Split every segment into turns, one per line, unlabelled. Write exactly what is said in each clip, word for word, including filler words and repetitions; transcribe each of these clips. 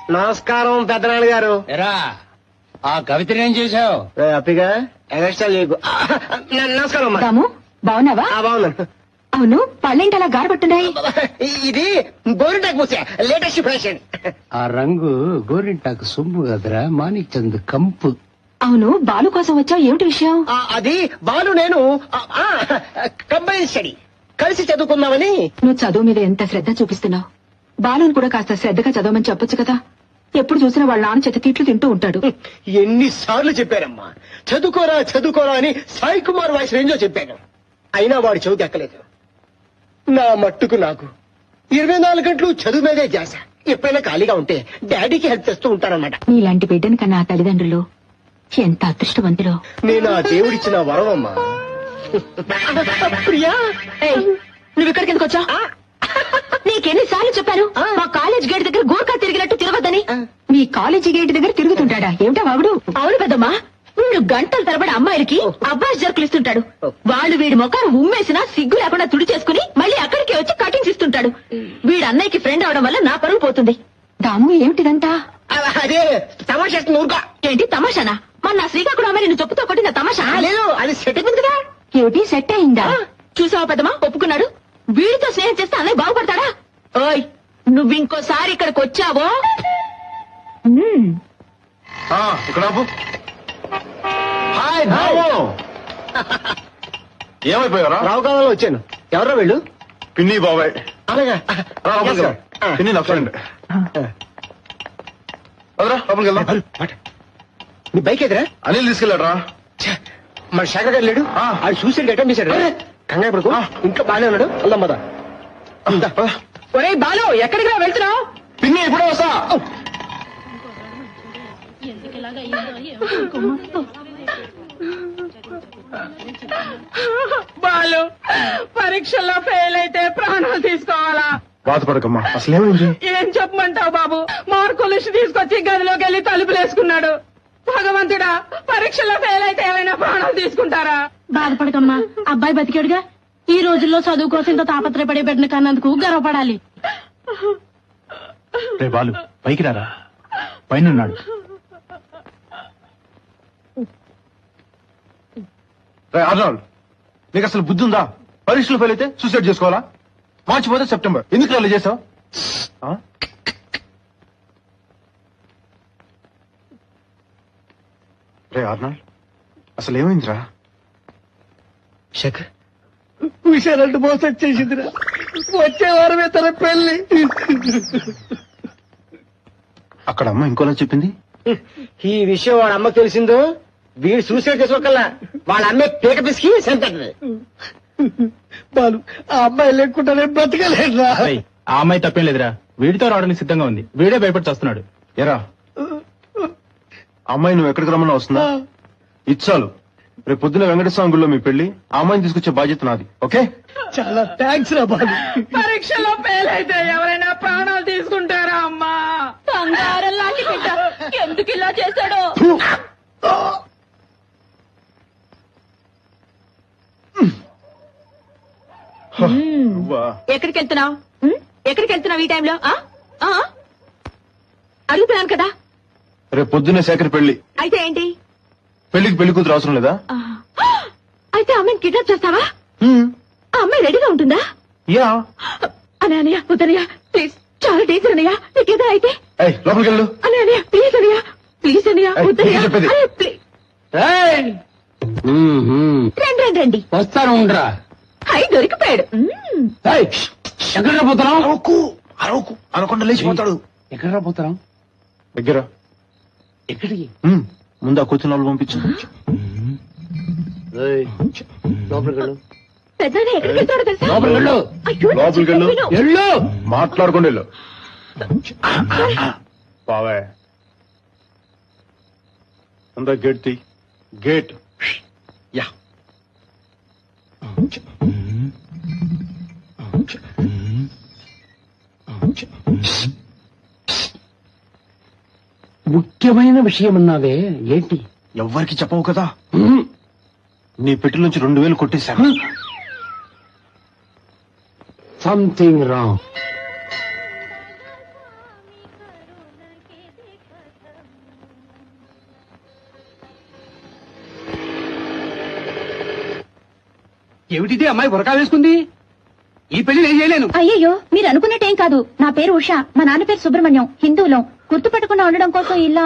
నమస్కారం పెద్దనాన్న గారు.
ఎరా ఆ కవితని ఏం చేశావు?
హ్యాపీగా ఎగస్ట్రా లేకు. నమస్కారం అమ్మా.
రాము బాగున్నావా?
బాగున్నాను.
అవును పళ్ళేంటి అలా గారబట్టున్నాయి?
ఇది గోరింటాకు పూసే లేటెస్ట్ ఫ్యాషన్.
ఆ రంగు గోరింటాకు సొమ్ము కదరా, మాణిక్ చంద్ కంపు.
అవును బాలు కోసం వచ్చావు, ఏమిటి విషయం?
అది బాలు నేను కంబైన్ స్టడీ కలిసి చదువుకుందామని.
నువ్వు చదువు మీద ఎంత శ్రద్ధ చూపిస్తున్నావు. బాలుని కూడా కాస్త శ్రద్ధగా చదవమని చెప్పొచ్చు కదా. ఎప్పుడు చూసినా వాళ్ళ నాన్న చేత తిట్లు తింటూ ఉంటాడు.
ఎన్నిసార్లు చెప్పారమ్మా చదువుకోరా చదువుకోరా అని. సాయి కుమార్ వాయిస్ రేంజో చెప్పాను, అయినా వాడు చదువు ఎక్కలేదు. నా మట్టుకు నాకు ఇరవై నాలుగు గంటలు చదువు మీదే చేశ. ఎప్పుడైనా ఖాళీగా ఉంటే డాడీకి హెల్ప్ చేస్తూ ఉంటానన్నమాట.
నీలాంటి బిడ్డని కన్నా తల్లిదండ్రులు ఎంత అదృష్టవంతులో.
నేను ఆ దేవుడిచ్చిన వరం అమ్మా. ప్రియా
నువ్వు ఇక్కడికి ఎందుకు వచ్చా? నీకెన్నిసార్లు చెప్పాను మా కాలేజ్ గేట్ దగ్గర గోర్ఖా తిరిగినట్టు తిరగద్దని. మీ కాలేజీ గేట్ దగ్గర తిరుగుతుంటాడా ఏమిటా వాగుడు? అవును పెద్దమ్మా, వీడు గంటల తరబడి అమ్మాయిలకి అబ్బాయి జర్కులు ఇస్తుంటాడు. వాళ్ళు వీడి మొఖాన్ని ఉమ్మేసినా సిగ్గు లేకుండా తుడి చేసుకుని మళ్ళీ అక్కడికే వచ్చి కటింగ్స్ ఇస్తుంటాడు. వీడు అన్నయ్యకి ఫ్రెండ్ అవడం వల్ల నా పరువు పోతుంది. దాము ఏమిటిదంతా?
అదే తమాషా. ఊరుగా
ఏంటి తమాషానా? మన నా శ్రీకాకుళం అమ్మాయి నిన్ను చెప్పుతో కొట్టిన తమాషా?
లేదు, అది సెట్ అయిపోయింది కదా.
ఏమిటి సెట్ అయిందా? చూసావా పెద్దమ్మా, ఒప్పుకున్నాడు. వీడితో స్నేహం చేస్తే అన్నయ్య బాగుపడతాడా? ఓయ్ నువ్వు ఇంకోసారి ఇక్కడికి వచ్చావో
ఇక్కడ హాయ్ బాబు. ఏమైపోయారా?
రావు కాలంలో వచ్చాను. ఎవరో వీళ్ళు?
పిన్ని బాబాయ్.
అలాగా
పిన్ని నా ఫ్రెండ్. అదరా లోపలికి వెళ్దాం.
నీ బైక్ ఎదురా?
అనిల్ తీసుకెళ్ళాడరా.
మన శేఖర్ గారు లేడు, అది సూసైడ్ అటెంప్ట్ చేశాడు. కంగారు పడుకో, ఇంట్లో బాగానే ఉన్నాడు. వెళ్దాం పద.
ఒరే బాలు ఎక్కడికి వెళ్తున్నావు?
పిన్ని ఇప్పుడే వస్తా.
బాలు పరీక్షల్లో ఫెయిల్ అయితే ప్రాణాలు తీసుకోవాలా?
బాధపడకమ్మా, అసలేమైంది?
ఏం చెప్పమంటావు బాబు, మార్కులు తీసుకొచ్చి గదిలోకి వెళ్ళి తలుపులేసుకున్నాడు. భగవంతుడా, పరీక్షల్లో ఫెయిల్ అయితే ఏమైనా ప్రాణాలు తీసుకుంటారా?
బాధపడకమ్మా, అబ్బాయి బతికాడుగా. ఈ రోజుల్లో చదువు కోసం ఇంత తాపత్రయపడే బిడ్డను కన్నందుకు గర్వపడాలి.
రే బాలు పైకి రారా, పైన అర్నాల్డ్. నీకు అసలు బుద్ధి ఉందా? పరీక్షలు ఫెయిల్ అయితే సూసైడ్ చేసుకోవాలా? మార్చి పోతే సెప్టెంబర్, ఎందుకు అలా చేసావు? రే అర్నాల్డ్, అసలు ఏమైందిరా?
శేఖర్
విషయాలంటూ మోసం చేసిందిరా. వచ్చే వారమే తన పెళ్లి.
అక్కడ అమ్మ ఇంకోలా చెప్పింది.
ఈ విషయం వాడు అమ్మకు తెలిసిందో వీడు సూసైడ్ చేసుకోకల్లా వాళ్ళ అమ్మే పీక పిసికి చంపేస్తుంది.
బాలు ఆ అమ్మాయి లేకుండానే బ్రతకలేదురా.
ఆ అమ్మాయి తప్పేం లేదురా, వీడితో రావడానికి సిద్ధంగా ఉంది. వీడే భయపడి వస్తున్నాడు.
ఎరా అమ్మాయి నువ్వు ఎక్కడికి రమ్మన్నా వస్తుందా? ఇచ్చాలు. రేపు పొద్దున వెంకటస్వామి గుడిలో మీ పెళ్లి, ఆ అమ్మాయిని తీసుకొచ్చే బాధ్యత నాది. ఓకే?
చాలా థ్యాంక్స్ రా బాలు. పరీక్షలో ఫెయిల్ అయితే ఎవరైనా ప్రాణాలు తీసుకుంటారా అమ్మా?
బంగారం లాంటి బిడ్డ ఎందుకు ఇలా చేశాడో.
ఎక్కడికి వెళ్తున్నావు? ఎక్కడికి వెళ్తున్నావు ఈ టైంలో? అడుగుతున్నాను కదా.
రేపు పొద్దున్నే శేఖర్ పెళ్లి.
అయితే ఏంటి?
పెళ్లికి పెళ్లి కూతురు అవసరం లేదా?
అయితే అమ్మాయిని కిడ్నాప్ చేస్తావా? ఆ అమ్మాయి రెడీగా ఉంటుందా?
యా.
అనయ్య వద్దనయ్య ప్లీజ్, చాలా డేంజర్ అన్నయ్య. నీకేదో అయితే
లోపలికి వెళ్ళు.
అనయ్య ప్లీజ్ అనయ్య, ప్లీజ్ అనయ్య వద్దనయ్య. రండి రండి రండి.
వస్తాను ఉండరా.
హై దొరికిపోయాడు.
ఎక్కడ పోతున్నాం?
అరవకు అరవకు అనకుండా లేచిపోతాడు.
ఎక్కడ పోతున్నాం?
దగ్గర.
ఎక్కడికి?
ముందు ఆ కూర్చున్న వాళ్ళు పంపించు.
పెద్దనే ఎక్కడికి వెళ్తాడో తెలుసా?
లోపలికి వెళ్ళు.
అయ్యో,
లోపలికి వెళ్ళు.
విను.
వెళ్ళు.
మాట్లాడుకోండి వెళ్ళు. బావే అందా గేట్ తీ. గేట్. యా.
ముఖ్యమైన విషయం అన్నావే, ఏంటి?
ఎవ్వరికి చెప్పవు కదా. నీ పెట్టి నుంచి రెండు వేలు కొట్టేశాను.
Something wrong. ఏమిటిది అమ్మాయి బురకా వేసుకుంది? ఈ పెళ్లి నేను చేయలేను.
అయ్యయ్యో మీరు అనుకున్నట్టేం కాదు. నా పేరు ఉష, మా నాన్న పేరు సుబ్రహ్మణ్యం, హిందువులం. గుర్తుపట్టకుండా ఉండడం కోసం ఇలా.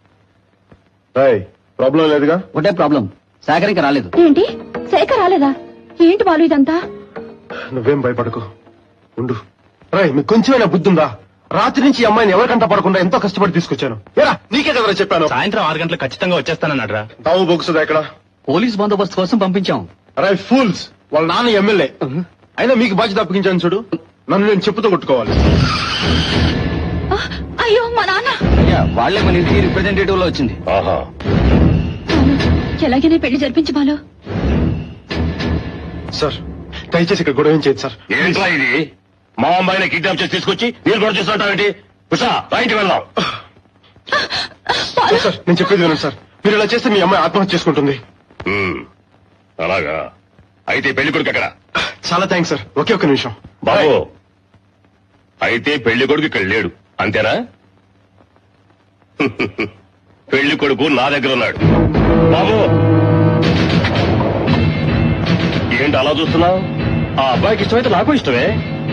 ప్రాబ్లం లేదుగా?
ఒకటే ప్రాబ్లం, సాగర్ ఇంకా రాలేదు.
ఏంటి శేఖర్ రాలేదా? ఏంటి బాలు ఇదంతా?
నువ్వేం భయపడకు, ఉండు. రాయ్ మీకు కొంచెమైనా బుద్ధి ఉందా? రాత్రి నుంచి ఈ అమ్మాయిని ఎవరికంట పడకుండా ఎంతో కష్టపడి తీసుకొచ్చాను. ఏరా నీకే కదరా చెప్పాను.
సాయంత్రం ఆరు గంటలకు ఖచ్చితంగా వచ్చేస్తానన్నాడు రా.
తావు బొగుసుదా ఇక్కడ?
పోలీస్ బందోబస్తు కోసం పంపించాం.
రాయ్ ఫూల్స్, వాళ్ళ నాన్న ఎమ్మెల్యే అయినా మీకు బాధ్యత అప్పగించాను చూడు. నన్ను నేను చెప్పుతో కొట్టుకోవాలి.
అయ్యో మా నాన్న.
వాళ్లే మన ఇంటికి రిప్రజెంటేటివ్ లో వచ్చింది.
ఆహా,
ఎలాగైనా పెళ్లి జరిపించి బాలు.
సార్ దయచేసి ఇక్కడ గొడవ ఏం చేయదు సార్.
ఏంట్రా ఇది? మా అమ్మాయిని కిడ్నాప్ చేసి తీసుకొచ్చి మీరు కూడా చేస్తుంటావేంటి? ఉషా బయటికి వెళ్దాం.
సార్ నేను చెప్పేది వినండి సార్. మీరు ఇలా చేస్తే మీ అమ్మాయి ఆత్మహత్య చేసుకుంటుంది.
ఉమ్, అలాగా అయితే పెళ్లి కొడుకు ఎక్కడ?
చాలా థ్యాంక్స్ సార్. ఒకే ఒక్క నిమిషం
బాబు, అయితే పెళ్లి కొడుకు ఇక్కడ లేడు అంతేనా? పెళ్లి కొడుకు నా దగ్గర ఉన్నాడు. బాబు ఏంటి అలా చూస్తున్నావు? ఆ అబ్బాయికి ఇష్టమైతే నాకు ఇష్టమే.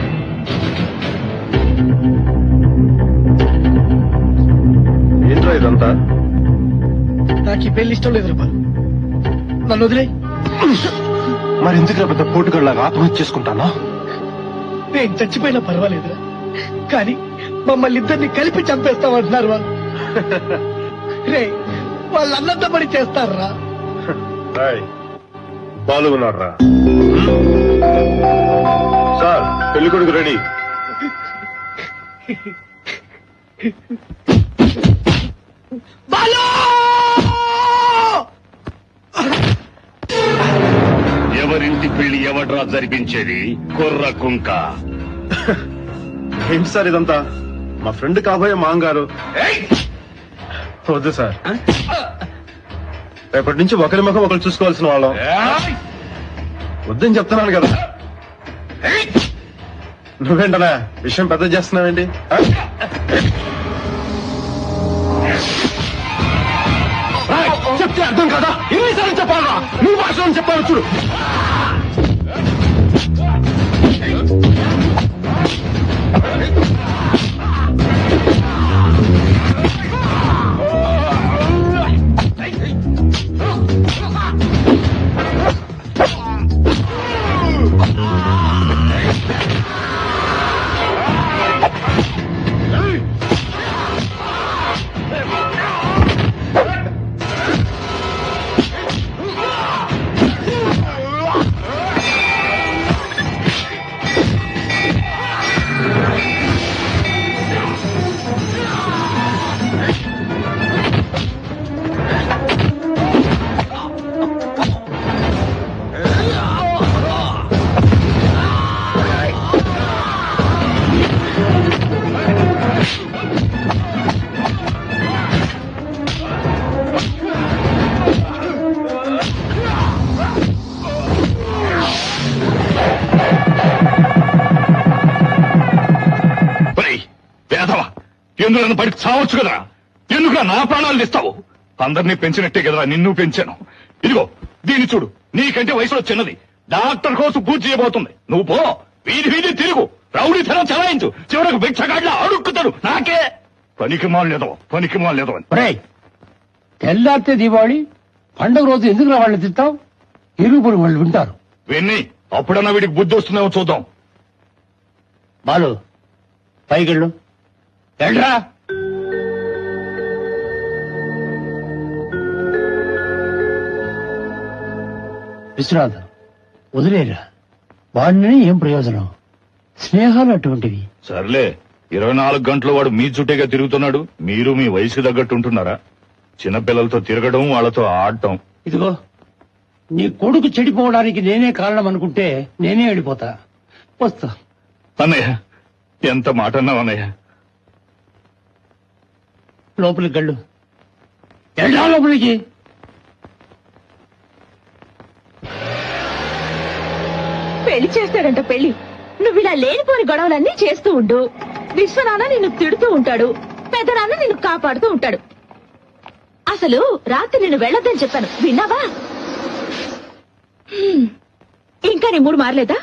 ఏంట్రా ఇదంతా?
నాకు ఈ పెళ్లి ఇష్టం లేదు రూపాయలు. నన్ను వదిలే.
మరి ఎందుకు పెద్ద పోటుగడలాగా ఆత్మహత్య చేసుకుంటానా?
నేను చచ్చిపోయినా పర్వాలేదురా, కానీ మమ్మల్ని ఇద్దరిని కలిపి చంపేస్తామంటున్నారు వాళ్ళు. రే వాళ్ళు అన్నంత పని చేస్తారా?
బాలు ఉన్నారా సార్? పెళ్లి కొడుకు రెడీ.
ఎవరింటి పెళ్లి ఎవడ్రా జరిపించేది? కుర్ర కుంక.
ఏంటి సార్ ఇదంతా? మా ఫ్రెండ్ కాబోయే మాంగారు. వద్దు సార్, రేపటి నుంచి ఒకరి ముఖం ఒకరు చూసుకోవాల్సిన వాళ్ళం. వద్దని చెప్తున్నాను కదా. నువ్వేంటనా విషయం పెద్ద చేస్తున్నావేంటి? చెప్తే అర్థం కదా? ఎన్నిసార్లు చెప్పాలా? నీ భాషలో చెప్పాలి చూడు.
ఎందుకు నన్ను బయటకు చావచ్చు కదా? ఎందుకు నా ప్రాణాలు ఇస్తావు? అందరినీ పెంచినట్టే కదరా నిన్ను పెంచాను. ఇదిగో దీన్ని చూడు, నీకంటే వయసులో చిన్నది, డాక్టర్ కోసం పూజ చేయబోతుంది. నువ్వు పో, వీధి వీధి తిరుగు, రౌడీతనం చలాయించు, చివరకు భిక్షగాడ్లా అడుక్కుతాడు. నాకే పనికి మాలేదో పనికి మాలేదో అని.
తెల్లారితే దీపావళి పండుగ రోజు ఎందుకు రా వాళ్ళని తింటావు? ఇరుగుపురు వాళ్ళు వింటారు.
విన్ని అప్పుడన్నా వీడికి బుద్ధి వస్తుందేమో చూద్దాం.
బాలు పైకెళ్ళు. వెళ్ళరా. విశ్వనాథ్ వదిలేరా, వాడిని ఏం ప్రయోజనం? స్నేహాలు అటువంటివి.
సర్లే, ఇరవై నాలుగు గంటలు వాడు మీ చుట్టేగా తిరుగుతున్నాడు. మీరు మీ వయసు తగ్గట్టు ఉంటున్నారా? చిన్నపిల్లలతో తిరగడం, వాళ్ళతో ఆడటం.
ఇదిగో నీ కొడుకు చెడిపోవడానికి నేనే కారణం అనుకుంటే నేనే వెళ్ళిపోతా. వస్తా.
అన్నయ్య ఎంత మాట అన్నావు అన్నయ్య.
లోపలికి గళ్ళు. వెళ్ళా లోపలికి.
పెళ్లి చేస్తాడంట పెళ్లి. నువ్వు ఇలా లేనిపోని గొడవలన్నీ చేస్తూ ఉండు. విశ్వనాన్న నిన్ను తిడుతూ ఉంటాడు, పెద్దనాన్న నిన్ను కాపాడుతూ ఉంటాడు. అసలు రాత్రి నిన్ను వెళ్ళొద్దని చెప్పాను, విన్నావా? హ్మ్. ఇంకా ఇంకా నీ మూడు మారలేదా?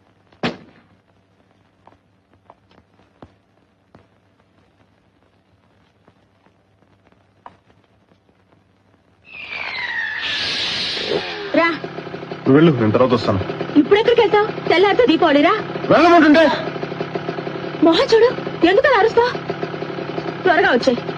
రా.
నువ్వు వెళ్ళు, నేను తర్వాత వస్తాను.
ఇప్పుడు ఎక్కడికి వెళ్తావు? తెల్లారితో దీపావళిరా.
వెళ్ళమంటుంటే
మొహం చూడు, ఎందుకలా అరుస్తా? త్వరగా వచ్చాయి.